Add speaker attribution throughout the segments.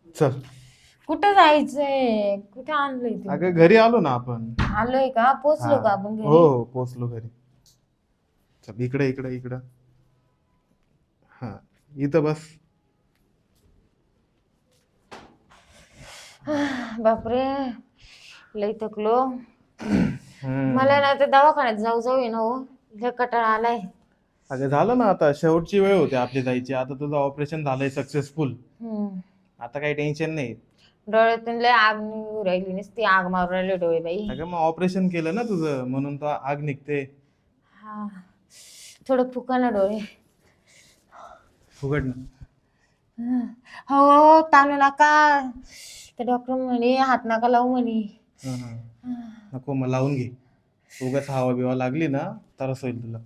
Speaker 1: चल.
Speaker 2: कुठं जायचंय? कुठे आणलंय ते?
Speaker 1: अगं घरी आलो ना आपण.
Speaker 2: आलोय का? पोचलो का
Speaker 1: हा.
Speaker 2: आपण
Speaker 1: हो
Speaker 2: घरी?
Speaker 1: हो पोचलो घरी. चल इकडे इकडे इकडं. हा इथं बस.
Speaker 2: बापरे, लई थकलो. मला
Speaker 1: हम्म.
Speaker 2: ना ते दवाखान्यात जाऊ जाऊ आहे ना हो, लय कंटाळा आलाय.
Speaker 1: अगं झालं ना, आता शेवटची वेळ होती आपली जायची. आता तुझं ऑपरेशन झालंय सक्सेसफुल.
Speaker 2: हम्म.
Speaker 1: आता काही टेन्शन नाही.
Speaker 2: डोळ्यातून लय आग निघू राहिली, नुसती आग मारू राहिले डोळे बाई.
Speaker 1: अगं मग ऑपरेशन केलं ना तुझं, म्हणून तो आग निघते.
Speaker 2: हा, थोडं फुका ना डोळे.
Speaker 1: फुगड ना.
Speaker 2: हो, ताणू नका. ते डॉक्टर म्हणे हात नका लावू म्हणे.
Speaker 1: हा हा. नको मग लावून घे. उगाच हवा बिवा लागली ना त्रास होईल तुला.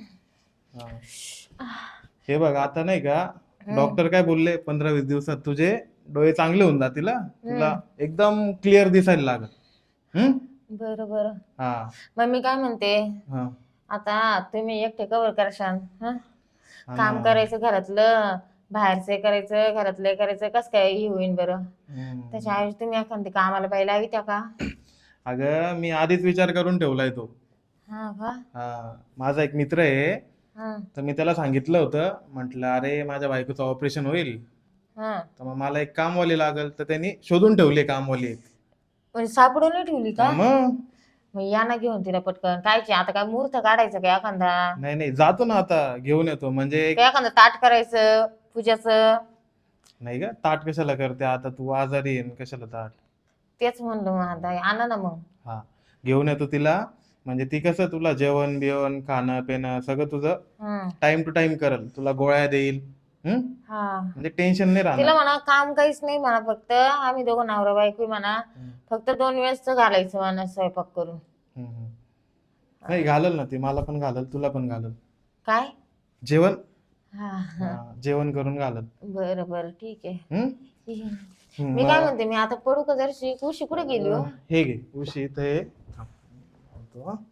Speaker 1: हा. हे बघ आता नाही का, डॉक्टर काय बोलले, 15-20 दिवसात तुझे डोळे चांगले होऊन जातील हा. तुला एकदम क्लिअर दिसायला लागल. हम्म.
Speaker 2: बरं बरं.
Speaker 1: हा
Speaker 2: मग मी काय म्हणते,
Speaker 1: हा.
Speaker 2: आता तुम्ही एकटे कवर करशाल हा?
Speaker 1: हा ना.
Speaker 2: काम करायचं घरातलं, बाहेरचं करायचं, घरातलं करायचं, कसं काय हे होईन बरं?
Speaker 1: हम्म.
Speaker 2: त्याच्याऐवजी तुम्ही एखादी कामाला बाई लावी त्या का?
Speaker 1: अगं मी आधीच विचार करून ठेवलाय तो.
Speaker 2: हा का?
Speaker 1: हा, माझा एक मित्र आहे.
Speaker 2: हा
Speaker 1: तर मी त्याला सांगितलं होतं, म्हटलं अरे माझ्या बायकोचं ऑपरेशन होईल,
Speaker 2: हा.
Speaker 1: तर मग मला एक कामवाली लागल. तर त्यांनी शोधून ठेवली कामवाली एक.
Speaker 2: म्हणजे सापडून नाही ठेवली
Speaker 1: हा
Speaker 2: का?
Speaker 1: मग.
Speaker 2: मग या ना घेऊन तिला पटकन. कायची आता काय मुहूर्त काढायचं का एखादा?
Speaker 1: नाही नाही जातो ना आता, घेऊन येतो म्हणजे
Speaker 2: का एखादं ताट करायचं पूजाचं?
Speaker 1: नाही ग, ताट कशाला करते आता, तू आजारी आहे न कशाला ताट.
Speaker 2: तेच म्हणलं मग आता आणा ना मग.
Speaker 1: हा, घेऊन येतो तिला. म्हणजे ती कसं तुला जेवण बिवण खाणं पिणं सगळं तुझं
Speaker 2: हम्म.
Speaker 1: टाइम टू टाइम करल, तुला गोळ्या देईल. हम्म.
Speaker 2: हा,
Speaker 1: म्हणजे टेन्शन नाही राहणार.
Speaker 2: तिला म्हणा काम काहीच नाही म्हणा, फक्त आम्ही दोघं नवरा बायको म्हणा,
Speaker 1: हम्म,
Speaker 2: फक्त 2 वेळेस घालायचं म्हणा स्वयंपाक करून.
Speaker 1: हम्म, हम्म. नाही घालल ना ती, मला पण घालल, तुला पण घालल
Speaker 2: काय?
Speaker 1: जेवण.
Speaker 2: हा
Speaker 1: हा,
Speaker 2: हा.
Speaker 1: जेवण करून घालल.
Speaker 2: बरं बरं ठीक आहे.
Speaker 1: हम्म.
Speaker 2: मी काय म्हणते, मी आता पडू का जरशी? उशी कुठे गेली हो?
Speaker 1: हे घे उशी इथं आहे. थांब. आणतो हा.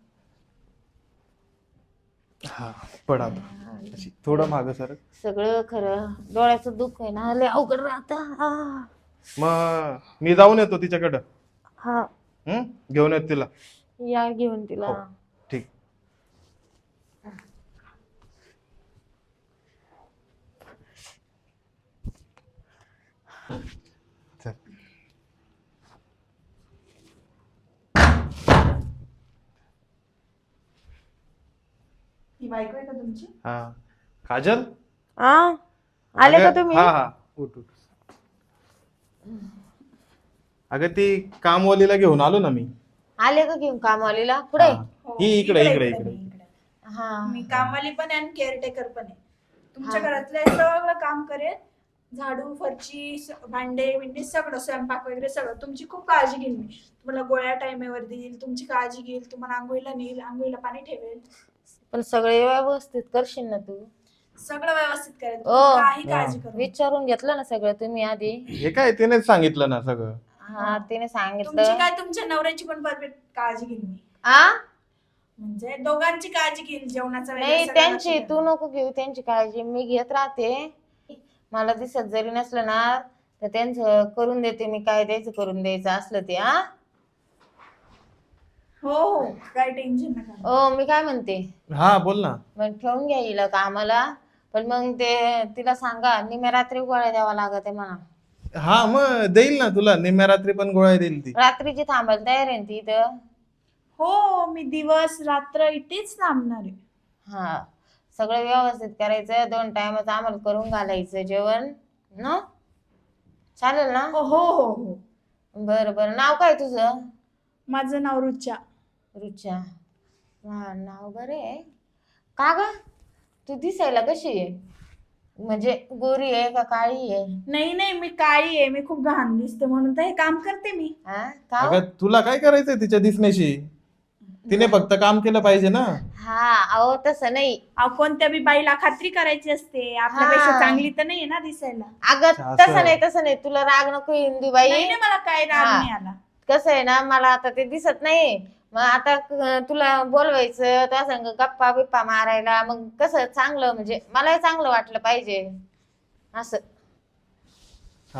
Speaker 1: हा, पड आता. अशी थोडं मागं सर.
Speaker 2: सगळं खरं, डोळ्याचं दुःख आहे ना, लय अवघड राहत.
Speaker 1: मग मी जाऊन येतो तिच्याकडं.
Speaker 2: हा,
Speaker 1: घेऊन येतो तिला.
Speaker 2: या घेऊन तिला.
Speaker 1: हो ठीक. चल.
Speaker 3: ही बायको आहे का तुमची?
Speaker 1: हा, काजल.
Speaker 2: आले का
Speaker 1: अगं
Speaker 2: तुम्ही?
Speaker 1: हा हा, उठ उठ. अगं ती कामवालीला घेऊन आलो ना मी.
Speaker 2: आले का घेऊन कामवालीला? पुढे
Speaker 1: हा. ही इकडे इकडे
Speaker 3: मी
Speaker 1: इकडे.
Speaker 3: इकडे.
Speaker 2: हा
Speaker 3: मी कामवाली पण आहे आणि केअरटेकर पण आहे. तुमच्या
Speaker 2: हा.
Speaker 3: घरातलं सगळं काम करेल. झाडू फरची भांडे बिंडे सगळं, स्वयंपाक वगैरे सगळं. तुमची खूप काळजी घेईल मी. तुम्हाला गोळ्या टाइमेवर देईल, तुमची काळजी घेईल, तुम्हाला आंघोळीला नेईल, आंघोळीला पाणी ठेवेल.
Speaker 2: पण सगळे व्यवस्थित करशील ना तू?
Speaker 3: सगळं व्यवस्थित करेल,
Speaker 2: ओ,
Speaker 3: तुम्ही काही
Speaker 1: हा.
Speaker 3: काळजी करू नका.
Speaker 2: विचारून घेतलं ना सगळं तुम्ही आधी?
Speaker 1: हे काय तिनेच सांगितलं ना सगळं.
Speaker 2: हा, तिने
Speaker 3: तुमची
Speaker 2: सांगितलं.
Speaker 3: काय, तुमच्या नवऱ्याची पण परफेक्ट काळजी घेईल मी.
Speaker 2: आ
Speaker 3: म्हणजे दोघांची काळजी घेईल, जेवणाचा वगैरे
Speaker 2: नाही,
Speaker 3: सगळं लक्ष
Speaker 2: त्यांची
Speaker 3: द्याल.
Speaker 2: तू नको घेऊ, त्यांची काळजी मी घेत राहते. मला दिसत जरी नसलं ना तर त्यांचं करून देते मी, काय द्यायचं करून द्यायचं असलं ते.
Speaker 3: हो हो, काय टेन्शन नका.
Speaker 2: ओ, मी काय म्हणते,
Speaker 1: हा बोल ना.
Speaker 2: मग ठेवून घ्या हिला कामाला. पण मग ते तिला सांगा निम्या रात्री गोळ्या द्यावा लागत आहे म्हणा.
Speaker 1: हा मग देईल ना तुला, निम्म्या रात्री पण गोळ्या देईल ती.
Speaker 2: रात्रीची थांबायला तयार आहे ना ती इथं?
Speaker 3: हो, मी दिवस रात्र इथेच थांबणार आहे.
Speaker 2: हा, सगळं व्यवस्थित करायचं, 2 टाइमच आम्हाला करून घालायचं जेवण न, चालेल ना?
Speaker 3: हो हो हो हो.
Speaker 2: बरं बरं. नाव काय तुझं?
Speaker 3: माझं नाव रुचा.
Speaker 2: रुचा. हा, नाव बरं आहे. का ग, तू दिसायला कशी आहे? म्हणजे गोरी आहे का काळी आहे?
Speaker 3: नाही नाही, मी काळी आहे, मी खूप घाण दिसते म्हणून तर हे काम करते मी.
Speaker 2: हा का हो?
Speaker 1: अगं तुला काय करायचंय तिच्या दिसण्याशी? तिने फक्त काम केलं पाहिजे ना.
Speaker 2: हा, अहो तसं नाही.
Speaker 3: अहो, कोणत्या बी बाईला खात्री करायची असते, आपल्यापेक्षा चांगली तर नाही ना दिसायला.
Speaker 2: अगं
Speaker 1: असं.
Speaker 2: तसं नाही, तसं नाही. तुला राग नको हिंदी बाई.
Speaker 3: नाही नाही, मला काय राग
Speaker 2: हा.
Speaker 3: नाही आला.
Speaker 2: कसं आहे ना, मला आता ते दिसत नाही. मग आता तुला बोलवायचं, त्या संग गप्पा बिप्पा मारायला, मग कसं चांगलं, म्हणजे मलाही चांगलं वाटलं पाहिजे असं.
Speaker 1: हा,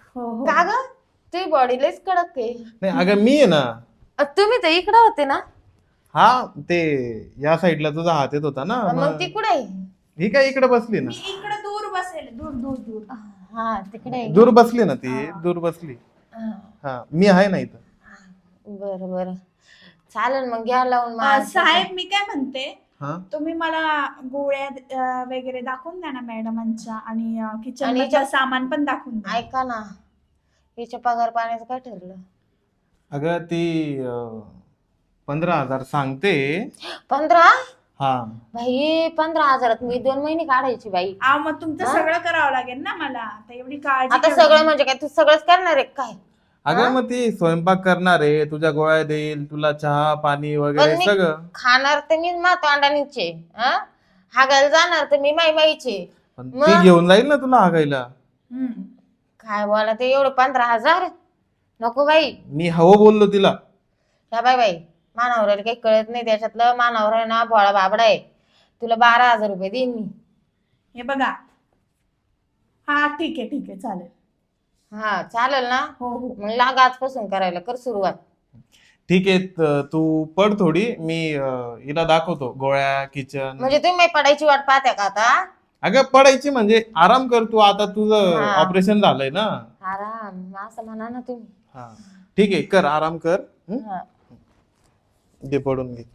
Speaker 3: हो हो
Speaker 2: का ग तुझी बॉडी लयच कडक आहे.
Speaker 1: नाही अगं मी आहे ना.
Speaker 2: तुम्ही तर इकडं होते ना.
Speaker 1: हा ते या साईडला तुझा हात येत होता ना,
Speaker 2: मग ती कुठे आहे?
Speaker 1: ही काय इकडे बसली ना.
Speaker 3: मी इकडे दूर बसेल, दूर दूर दूर.
Speaker 2: हा तिकडे आहे
Speaker 1: दूर बसली ना ती, दूर बसली.
Speaker 2: हा.
Speaker 1: हा मी आहे ना इथं.
Speaker 2: बरं बरं चालेल मग घ्या लावून मग
Speaker 3: साहेब मी काय म्हणते,
Speaker 1: हा
Speaker 3: तुम्ही मला गोळ्या वगैरे दाखवून द्या ना मॅडमांच्या, आणि किचन
Speaker 2: आणि
Speaker 3: मधलं सामान पण दाखवून द्या.
Speaker 2: ऐका ना हिच्या पगार पाण्याचं काय ठरलं?
Speaker 1: अगं ती 15,000 सांगते.
Speaker 2: 15?
Speaker 1: हा
Speaker 2: भाई 15,000 मी 2 महिने काढायची बाई.
Speaker 3: मग तुमचं सगळं करावं लागेल ना मला, आता एवढी काळजी
Speaker 2: आता
Speaker 3: ठेवा.
Speaker 2: सगळं म्हणजे काय तू सगळंच करणार आहे काय?
Speaker 1: अगं मग ती स्वयंपाक करणार आहे, तुझ्या गोळ्या देईल, तुला चहा पाणी वगैरे
Speaker 2: पण मी
Speaker 1: सगळं.
Speaker 2: खाणार तर मी तोंडानीचे हागायला जाणार तर मी माईचे.
Speaker 1: पण ती घेऊन जाईल ना तुला हागायला.
Speaker 3: हम्म.
Speaker 2: काय बोला ते एवढे 15,000 नको बाई.
Speaker 1: मी हवं बोललो तिला.
Speaker 2: या बाई मानावर काही कळत नाही त्याच्यातलं. मानावर आहे ना भोळा बाबडा आहे. तुला 12,000 रुपये देईन मी.
Speaker 3: हे बघा, हा ठीक आहे चालेल.
Speaker 2: हा चालेल ना.
Speaker 3: हो हो
Speaker 2: मग लाग आजपासून करायला कर सुरुवात.
Speaker 1: ठीक आहे तू पड थोडी, मी हिला दाखवतो गोळ्या किचन.
Speaker 2: म्हणजे तुम्ही पडायची वाट पाहत्या का आता?
Speaker 1: अगं पडायची म्हणजे आराम कर तू, आता तुझं
Speaker 2: हा.
Speaker 1: ऑपरेशन झालंय ना.
Speaker 2: आराम असं म्हणा ना तुम्ही.
Speaker 1: हा ठीक आहे कर आराम कर.
Speaker 2: हा.
Speaker 1: घे पडून घे.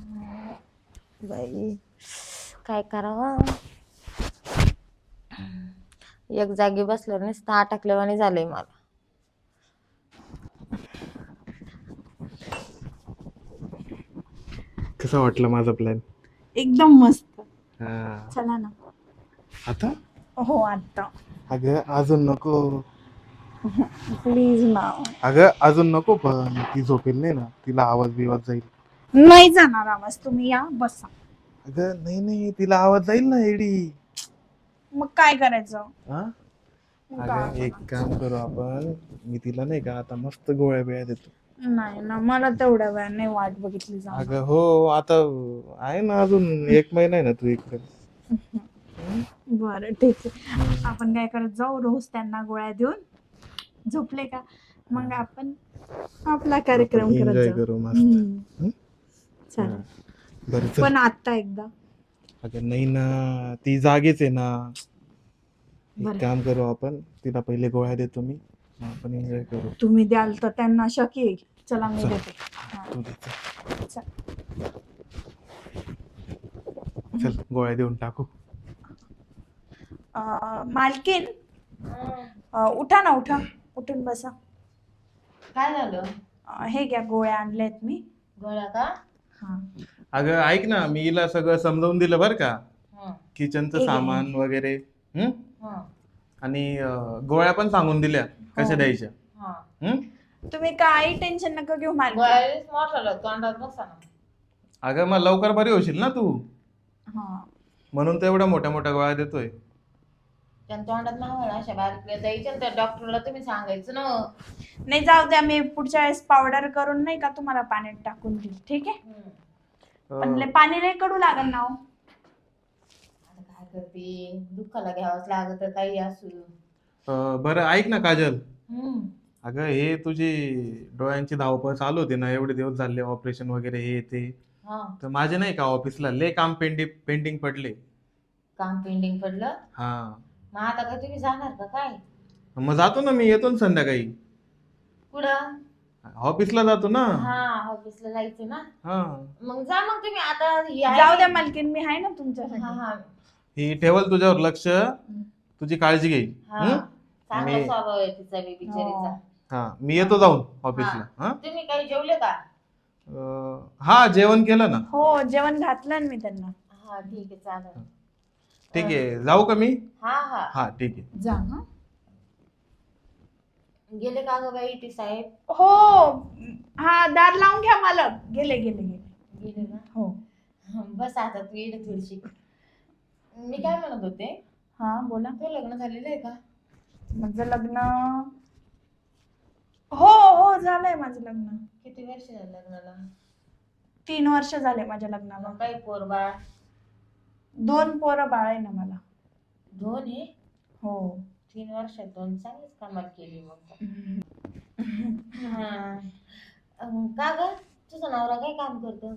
Speaker 2: बाई काय करावं. एक जागी बसल्यावर नुसतं अटकल्यावानी झालंय मला.
Speaker 1: कसा वाटला माझा प्लॅन?
Speaker 3: एकदम मस्त.
Speaker 1: हा
Speaker 3: चला ना.
Speaker 1: आता
Speaker 3: हो आता
Speaker 1: अगं अजून नको.
Speaker 3: प्लीज ना.
Speaker 1: अगं अजून नको, पण ती झोपेल नाही ना, तिला आवाज बिवाज जाईल.
Speaker 3: नाही जाणार आवाज, तुम्ही या बसा.
Speaker 1: अगं नाही तिला आवाज जाईल ना एडी.
Speaker 3: मग काय करायचं?
Speaker 1: हा अगं एक काम करू आपण, मी तिला नाही का आता मस्त गोळ्या बिळ्या देतो.
Speaker 3: नाही ना, मला तेवढ्या वेळ नाही वाट बघितली जाणार.
Speaker 1: अगं हो आता आहे ना, अजून 1 महिना आहे ना तू इकडे.
Speaker 3: बरं ठीक आहे, आपण काय करत जाऊ, रोज त्यांना गोळ्या देऊन झोपले का मग आपण आपला कार्यक्रम करत
Speaker 1: एन्जॉय
Speaker 3: जाऊ.
Speaker 1: करू मस्त.
Speaker 3: चालेल.
Speaker 1: बरं चल.
Speaker 3: पण आता एकदा
Speaker 1: अगं नाही ना, ती जागीच आहे ना.
Speaker 3: बरं.
Speaker 1: एक काम करू आपण, तिला पहिले गोळ्या देतो मी, मग आपण एन्जॉय करू.
Speaker 3: तुम्ही द्याल तर त्यांना शक येईल. चला मी
Speaker 1: चल.
Speaker 3: देते. हा,
Speaker 1: तू दे, चल.
Speaker 3: चल.
Speaker 1: चल गोळ्या देऊन टाकू.
Speaker 3: मालकीन उठा ना, उठा, उठून बसा.
Speaker 2: काय झालं?
Speaker 1: हे
Speaker 3: घ्या गोळ्या आणल्यात मी.
Speaker 2: गोळ्या का?
Speaker 3: हा.
Speaker 1: अगं ऐक ना, मी हिला सगळं समजावून दिलं बरं का,
Speaker 2: हं,
Speaker 1: किचनचं
Speaker 3: ठीक आहे.
Speaker 1: सामान वगैरे.
Speaker 2: हं,
Speaker 1: आणि गोळ्या पण सांगून दिल्या कशा
Speaker 3: हो.
Speaker 1: द्यायच्या.
Speaker 2: हं.
Speaker 3: तुम्ही काही टेन्शन नका घेऊ मालकीन.
Speaker 2: गोळ्याच मोठं तोंडात बसा ना.
Speaker 1: अगं मग लवकर बरी होशील ना तू,
Speaker 3: हा.
Speaker 1: म्हणून तर एवढ्या मोठ्या मोठ्या गोळ्या देतोय.
Speaker 2: त्यांच्या तोंडात नाव अशा बारीक द्यायच्या तर डॉक्टरला तुम्ही सांगायचं ना.
Speaker 3: नाही जाऊ द्या, मी पुढच्या वेळेस पावडर करून नाही का तुम्हाला पाण्यात टाकून देईल. ठीक आहे. पण पाणी लय कडू लागल ना हो.
Speaker 2: आता काय करते, दुःखाला घ्यावंच लागत काही असू.
Speaker 1: बरं ऐक ना काजल,
Speaker 2: हम्म.
Speaker 1: अगं हे तुझी डोळ्यांची धावपळ चालू होती ना, एवढे दिवस झाले ऑपरेशन वगैरे हे ते,
Speaker 2: हा
Speaker 1: तर माझे नाही का ऑफिसला लय काम पेंडिंग पडले.
Speaker 2: काम पेंडिंग पडलं.
Speaker 1: हा
Speaker 2: मग आता काय तुम्ही जाणार का काय?
Speaker 1: मग जातो ना, मी येतो ना संध्याकाळी,
Speaker 2: कुठं?
Speaker 1: ऑफिसला जातो ना.
Speaker 2: हा ऑफिसला जायचं ना.
Speaker 1: हा
Speaker 2: मग जा मग तुम्ही आता ही आहे.
Speaker 3: जाऊ द्या मालकीन, मी आहे ना तुमच्यासाठी.
Speaker 2: हा हा
Speaker 1: ही ठेवल तुझ्यावर लक्ष, तुझी काळजी घेईल.
Speaker 2: हा चांगला
Speaker 1: मी-
Speaker 2: स्वभाव आहे तिचा बी बिचारीचा.
Speaker 3: हो.
Speaker 1: हा मी येतो जाऊन ऑफिसला. हा
Speaker 2: तुम्ही काही जेवले का?
Speaker 1: हा जेवण केलं ना.
Speaker 3: हो, जेवण घातलं ना मी त्यांना.
Speaker 2: हा ठीक आहे चालेल.
Speaker 1: ठीक आहे, जाऊ का मी?
Speaker 2: हा हा
Speaker 1: हा ठीक आहे.
Speaker 3: जा. हा.
Speaker 2: गेले का ग बाई टी साहेब?
Speaker 3: हो, हा दार लावून घ्या मालक. गेले गेले गेले.
Speaker 2: गेले ना.
Speaker 3: हो.
Speaker 2: बस आता तू येईल थोडीशी. मी काय म्हणत होते,
Speaker 3: हा बोला.
Speaker 2: तू लग्न झालेलं आहे का?
Speaker 3: माझं लग्न हो हो झालंय माझं लग्न.
Speaker 2: किती वर्ष झालं लग्नाला?
Speaker 3: 3 वर्ष झाले माझ्या लग्नाला.
Speaker 2: मग काही पोरबाळ?
Speaker 3: 2 पोरं बाळ आहे ना मला.
Speaker 2: 2 आहे?
Speaker 3: हो.
Speaker 2: 3 वर्षातून चांगलीच कमाल केली मग. हा. का ग तुझा नवरा काय काम करतो?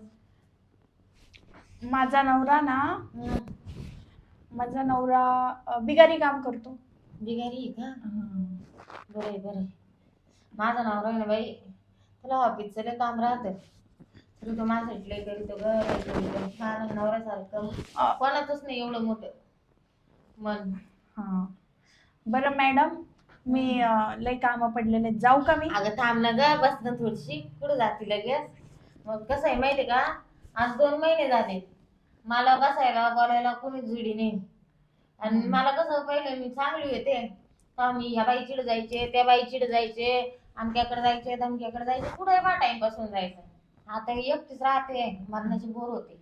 Speaker 3: माझा नवरा ना, माझा नवरा बिगारी काम करतो.
Speaker 2: बिगारी आहे का? बरे बरे. माझा नवरा आहे ना बाई, तुला ऑफिसचं लय काम राहतं, तरी तो माझ्यासाठी लय करीतो ग, लय करीतो. माझ्या नवऱ्यासारखं कोणाचंच नाही एवढं मोठं मन.
Speaker 3: हा बरं मॅडम, मी लय काम पडलेले, जाऊ का मी?
Speaker 2: अगं थांब ना ग, बस ना थोडीशी, कुठं जाती लगेच? मग कसं आहे माहिती का, आज 2 महिने झाले मला बसायला बोलायला कोणी जुडी नाही. आणि मला कसं पहिले मी चांगली होते का, मी ह्या बाईचीड जायचे, त्या बाईचीड जायचे, अमक्याकडे जायचे, धमक्याकडे जायचे, कुठे बा टाइम पासून जायचं. आता एकटीच राहते, मरणाची बोर होते.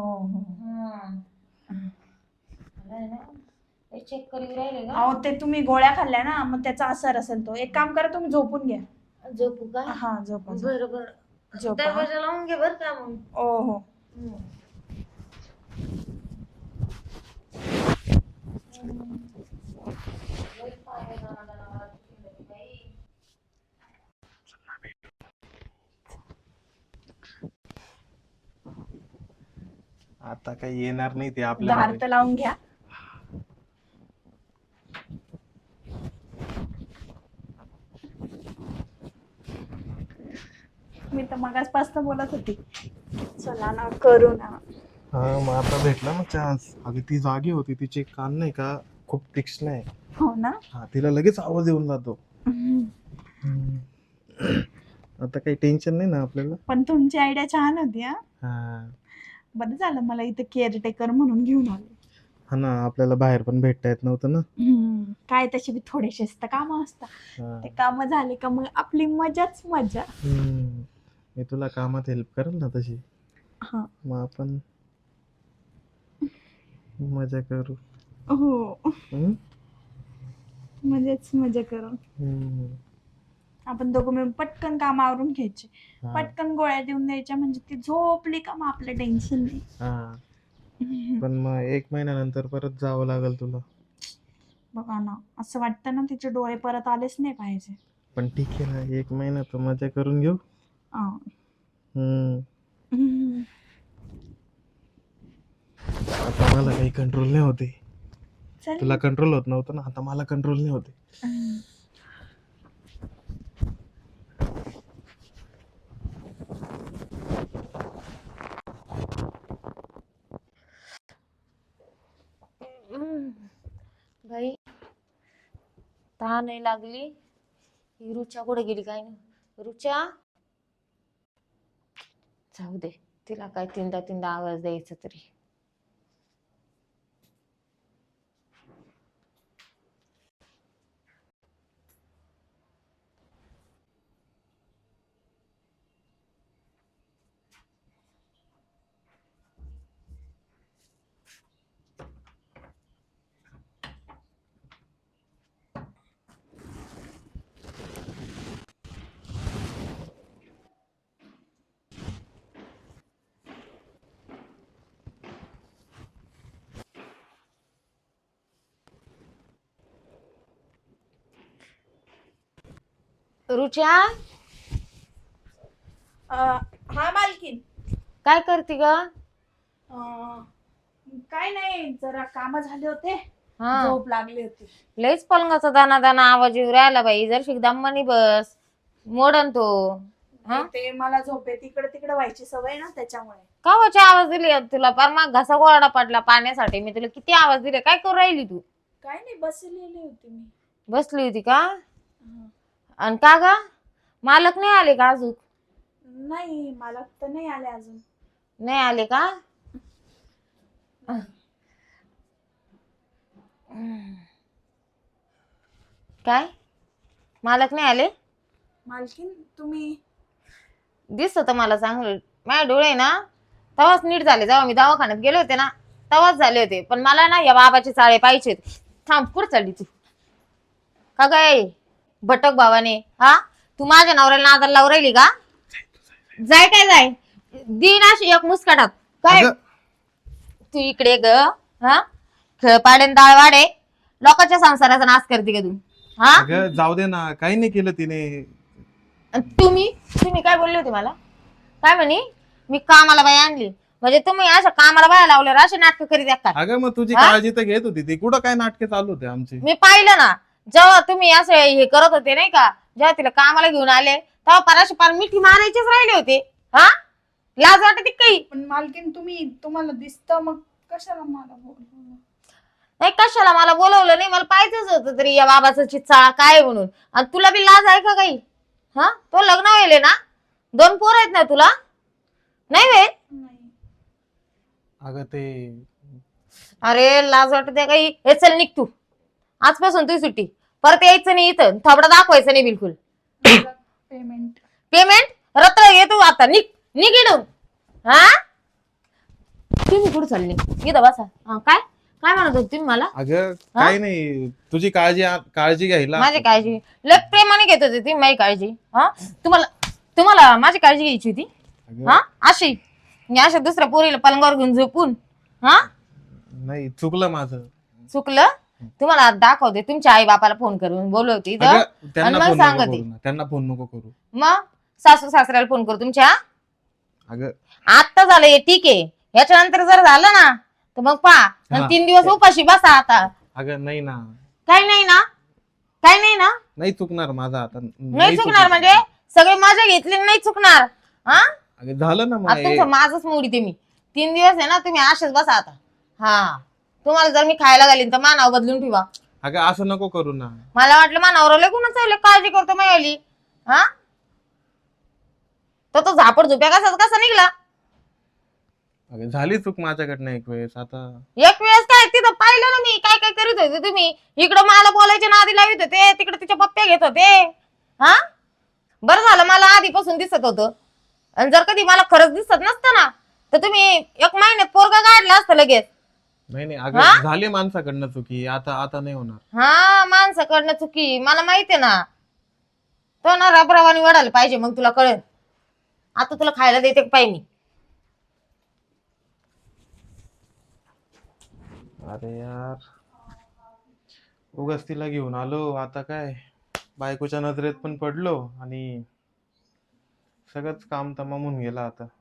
Speaker 2: चेक करून राहिले का?
Speaker 3: अहो ते तुम्ही गोळ्या खाल्ल्या ना, मग त्याचा असर असेल तो. एक काम करा, तुम्ही झोपून घ्या.
Speaker 2: झोपू का?
Speaker 3: हा झोपा.
Speaker 2: बरं बरं,
Speaker 3: झोपा.
Speaker 2: दरवाजा लावून घे बर का मग.
Speaker 3: हो.
Speaker 1: आता काही येणार नाही ते
Speaker 3: दार
Speaker 1: आपल्याला.
Speaker 3: तर लावून घ्या. मी तर मगाचपासून बोलत होती, चला ना करू ना.
Speaker 1: हा मग आता भेटला ना चान्स. अगं ती जागी होती, तिचे कान नाही का खूप तीक्ष्ण आहे.
Speaker 3: हो ना.
Speaker 1: हा तिला लगेच आवाज येऊन जातो. आता काही टेन्शन नाही ना आपल्याला.
Speaker 3: पण तुमची आयडिया छान होती.
Speaker 1: हा
Speaker 3: बरं झालं मला इथं केअरटेकर म्हणून घेऊन आले.
Speaker 1: हा ना, आपल्याला बाहेर पण भेटता येत नव्हतं ना.
Speaker 3: काय तशी बी थोडेसेच तर काम असतात.
Speaker 1: हा.
Speaker 3: ते काम झाले का मग आपली मजाच मजा.
Speaker 1: मी तुला कामात हेल्प करेल ना तशी.
Speaker 3: हा.
Speaker 1: मग आपण मजा करू.
Speaker 3: हो, मजा करू. आपण दोघं मिळून पटकन काम आवरून घ्यायचे, पटकन गोळ्या देऊन द्यायच्या, म्हणजे ती झोपली का मग आपलं टेन्शन नाही.
Speaker 1: पण मग 1 महिन्यानंतर परत जावं लागेल तुला.
Speaker 3: बघा ना, असं वाटतं ना तिचे डोळे परत आलेच नाही पाहिजे.
Speaker 1: पण ठीक आहे ना, 1 महिना तर मजा करून घेऊ. आता मला काही कंट्रोल नाही होते. तुला कंट्रोल होत नव्हतं ना, आता मला कंट्रोल नाही होते.
Speaker 2: बाई तहान नाही लागली. ही रुचा कुठे गेली काय ना? रुचा, जाऊ दे, तिला काय तीनदा आवाज द्यायचा तरी. रुचा,
Speaker 3: हा मालकीन.
Speaker 2: काय करते ग?
Speaker 3: काय नाही, जरा काम झाले होते,
Speaker 2: हा,
Speaker 3: झोप लागली होती.
Speaker 2: लयच पलंगाचा दाना आवाज येऊ राहिला बाई. जर शिकदामानी बस, मोडन तो.
Speaker 3: ते मला झोपे तिकडे तिकडे व्हायची सवय ना, त्याच्यामुळे.
Speaker 2: कावाचे आवाज दिले तुला? पार मग घसा गोळा पडला पाण्यासाठी. मी तुला किती आवाज दिले, काय करू राहिली तू?
Speaker 3: काय नाही, बसलेली होती मी.
Speaker 2: बसली होती का? आणि का ग, मालक नाही आले का अजून?
Speaker 3: नाही, मालक तर नाही आले अजून.
Speaker 2: नाही आले का? काय मालक नाही आले?
Speaker 3: मालकीन तुम्ही
Speaker 2: दिसत होतं मला चांगलं. माझे डोळे ना तवाच नीट झाले, जेव्हा मी दवाखान्यात गेले होते ना तवाच झाले होते. पण मला ना या बाबाचे चाळे पाहिजे. थांब, कुठं चालली तू? का काय भटक भावाने? हा, तू माझ्या नवऱ्याला नादाला लावून राहिली का? जाय काय जाय, दिन अशी एक मुस्काटात काय. तू इकडे ग, हा, खेळ पाडेन डाळ वाडे, लोकांच्या संसाराचा नाश करते का तू? हा?
Speaker 1: अगं जाऊ दे ना, काही नाही केलं तिने.
Speaker 2: आणि तुम्ही काय बोलले होते मला? काय म्हणे? मी कामाला बाई आणली म्हणजे तुम्ही अशा कामाला बाया लावल्यावर असे नाटक करीत आहे का?
Speaker 1: अगं मग तुझी
Speaker 2: हा?
Speaker 1: काळजी तर घेत होती ती, कुठं काय नाटके चालू होते आमची.
Speaker 2: मी पाहिलं ना, जेव्हा तुम्ही असं हे करत होते नाही का, जेव्हा तिला कामाला घेऊन आले तेव्हा पराशी पार मिठी मारायचेच राहिले होते. हा? लाज वाटते काही?
Speaker 3: पण मालकीन तुम्हाला दिसतं मग कशाला मला बोलवलं?
Speaker 2: नाही कशाला मला बोलवलं नाही, मला पाहिजेच होतं तरी या बाबाचं चिचाळा काय आहे म्हणून. आणि तुला बी लाज आहे का काही? हा, तो लग्न व्हायले ना, 2 पोर आहेत ना तुला, नाही वे?
Speaker 3: नाही.
Speaker 1: अगं ते
Speaker 2: अरे लाज वाटते काही? हे चल निघ तू, आजपासून तुझी सुट्टी, परत यायचं नाही इथं, थोबडा दाखवायचं नाही बिलकुल.
Speaker 3: पेमेंट
Speaker 2: पेमेंट रत्र येतो आता, निघ निघ इडून. हा, तुम्ही कुठं चालले? इथं बसा. हा, काय काय म्हणत होते तुम्ही मला?
Speaker 1: अगं काही नाही, तुझी काळजी घ्यायला.
Speaker 2: माझी काळजी लय प्रेमाने घेत होते तुम्ही माझी काळजी. हा, तुम्हाला माझी काळजी घ्यायची होती?
Speaker 1: अगं,
Speaker 2: हा, अशा दुसऱ्या पोरीला पलंगावर घेऊन झोपून? हा,
Speaker 1: नाही चुकलं माझं.
Speaker 2: चुकलं? तुम्हाला आज दाखवते, तुमच्या आई बापाला फोन करून बोलवते इथं.
Speaker 1: अगं, त्यांना
Speaker 2: आणि मग
Speaker 1: फोन नको
Speaker 2: सांगते.
Speaker 1: करू ना, त्यांना फोन नको करू.
Speaker 2: मग सासू सासऱ्याला फोन करू तुमच्या?
Speaker 1: अगं
Speaker 2: आता झालं हे ठीक आहे, याच्यानंतर जर झालं ना तर मग पहा,
Speaker 1: हा.
Speaker 2: 3 दिवस उपाशी बसा आता.
Speaker 1: अगं नाही ना,
Speaker 2: काही नाही ना? काही नाही ना?
Speaker 1: नाही चुकणार माझं आता.
Speaker 2: नाही चुकणार म्हणजे सगळे मजा घेतली नाही चुकणार? हा,
Speaker 1: अगं झालं ना मग
Speaker 2: आता तुमचं माझंच मोडी ते मी. 3 दिवस आहे ना, तुम्ही असेच बसा आता. हा, तुम्हाला जर मी खायला घालीन तर मानाव बदलून ठेवा.
Speaker 1: अगं असं नको करू ना.
Speaker 2: मला वाटलं मानावर लय कुणाच काळजी करतो मायाली. हा, तो झापड झोप्या कसा निघला?
Speaker 1: अगं झाली चूक माझ्याकडनं एक वेळेस, आता
Speaker 2: एक वेळेस काय, तिथं पाहिलं ना मी काय काय करीत होते तुम्ही. इकडं मला बोलायच्या नादी लावित होते, तिकडे तिच्या पप्प्या घेत होते. हा, बरं झालं मला आधीपासून दिसत होतं. आणि जर कधी मला खरंच दिसत नसतं ना तर तुम्ही 1 महिन्यात पोरगा काढला असतं लगेच.
Speaker 1: नाही
Speaker 2: हा?
Speaker 1: अगं झाली माणसाकडनं चुकी, आता नाही होणार.
Speaker 2: हा, माणसाकडनं चुकी मला माहितीये ना. तो ना रबरावानी वडायला पाहिजे, मग तुला कळेल. आता तुला खायला देते पाहिजे मी.
Speaker 1: अरे यार, उगाच तिला घेऊन आलो, आता काय बायकोच्या नजरेत पण पडलो आणि सगळंच काम तमामून गेलं आता.